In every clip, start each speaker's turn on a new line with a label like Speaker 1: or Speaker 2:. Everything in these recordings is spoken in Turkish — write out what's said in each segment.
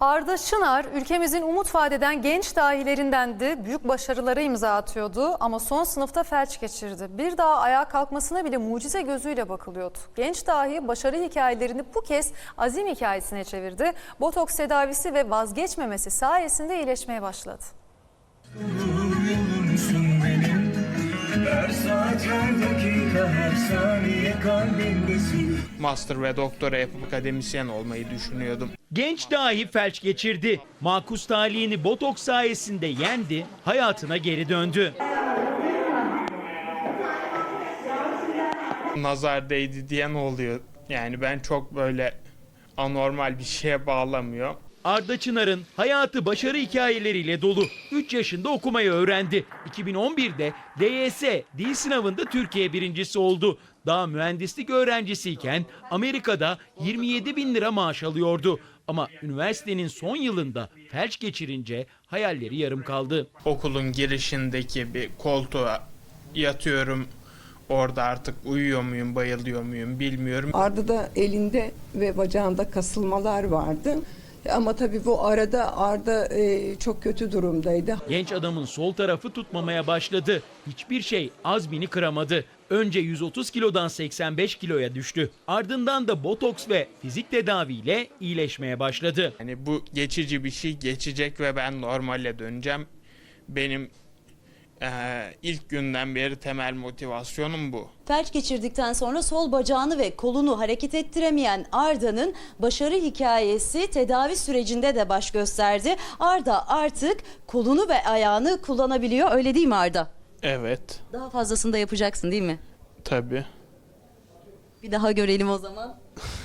Speaker 1: Arda Çınar ülkemizin umut vadeden genç dahilerindendi. Büyük başarılara imza atıyordu ama son sınıfta felç geçirdi. Bir daha ayağa kalkmasına bile mucize gözüyle bakılıyordu. Genç dahi başarı hikayelerini bu kez azim hikayesine çevirdi. Botoks tedavisi ve vazgeçmemesi sayesinde iyileşmeye başladı.
Speaker 2: Her saat, her dakika, her saniye kalbimdesin.
Speaker 3: Master ve doktora yapıp akademisyen olmayı düşünüyordum.
Speaker 4: Genç dahi felç geçirdi. Makus talihini botoks sayesinde yendi, hayatına geri döndü.
Speaker 3: Nazar değdi diyen oluyor. Yani ben çok böyle anormal bir şeye bağlamıyor.
Speaker 4: Arda Çınar'ın hayatı başarı hikayeleriyle dolu. 3 yaşında okumayı öğrendi. 2011'de DYS dil sınavında Türkiye birincisi oldu. Daha mühendislik öğrencisiyken Amerika'da 27 bin lira maaş alıyordu. Ama üniversitenin son yılında felç geçirince hayalleri yarım kaldı.
Speaker 3: Okulun girişindeki bir koltuğa yatıyorum. Orada artık uyuyor muyum, bayılıyor muyum bilmiyorum.
Speaker 5: Arda'da elinde ve bacağında kasılmalar vardı. Ama tabii bu arada Arda çok kötü durumdaydı.
Speaker 4: Genç adamın sol tarafı tutmamaya başladı. Hiçbir şey azmini kıramadı. Önce 130 kilodan 85 kiloya düştü. Ardından da botoks ve fizik tedaviyle iyileşmeye başladı.
Speaker 3: Yani bu geçici bir şey, geçecek ve ben normale döneceğim. Benim ilk günden beri temel motivasyonum bu.
Speaker 6: Felç geçirdikten sonra sol bacağını ve kolunu hareket ettiremeyen Arda'nın başarı hikayesi tedavi sürecinde de baş gösterdi. Arda artık kolunu ve ayağını kullanabiliyor, öyle değil mi Arda?
Speaker 3: Evet,
Speaker 6: Daha fazlasını da yapacaksın değil mi?
Speaker 3: tabii.
Speaker 6: Bir daha görelim o zaman.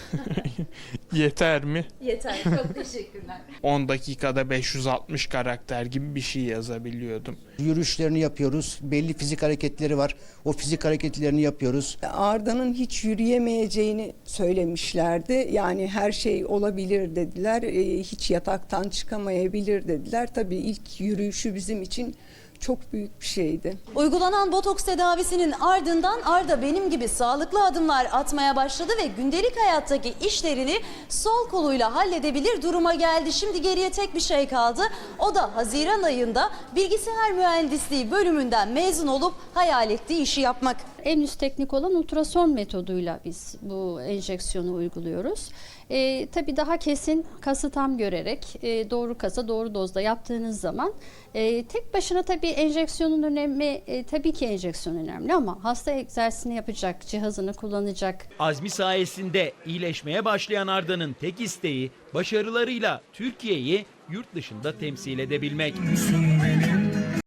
Speaker 3: Yeter mi?
Speaker 6: Yeter, çok teşekkürler.
Speaker 3: 10 dakikada 560 karakter gibi bir şey yazabiliyordum.
Speaker 7: Yürüyüşlerini yapıyoruz. Belli fizik hareketleri var. O fizik hareketlerini yapıyoruz.
Speaker 5: Arda'nın hiç yürüyemeyeceğini söylemişlerdi. Yani her şey olabilir dediler. Hiç yataktan çıkamayabilir dediler. Tabii ilk yürüyüşü bizim için çok büyük bir şeydi.
Speaker 6: Uygulanan botoks tedavisinin ardından Arda benim gibi sağlıklı adımlar atmaya başladı ve gündelik hayattaki işlerini sol koluyla halledebilir duruma geldi. Şimdi geriye tek bir şey kaldı. O da Haziran ayında bilgisayar mühendisliği bölümünden mezun olup hayal ettiği işi yapmak.
Speaker 8: En üst teknik olan ultrason metoduyla biz bu enjeksiyonu uyguluyoruz. Tabii daha kesin, kası tam görerek doğru kasa doğru dozda yaptığınız zaman tek başına tabii enjeksiyonun önemi, tabii ki enjeksiyon önemli ama hasta egzersizini yapacak, cihazını kullanacak.
Speaker 4: Azmi sayesinde iyileşmeye başlayan Arda'nın tek isteği başarılarıyla Türkiye'yi yurt dışında temsil edebilmek.
Speaker 2: Benim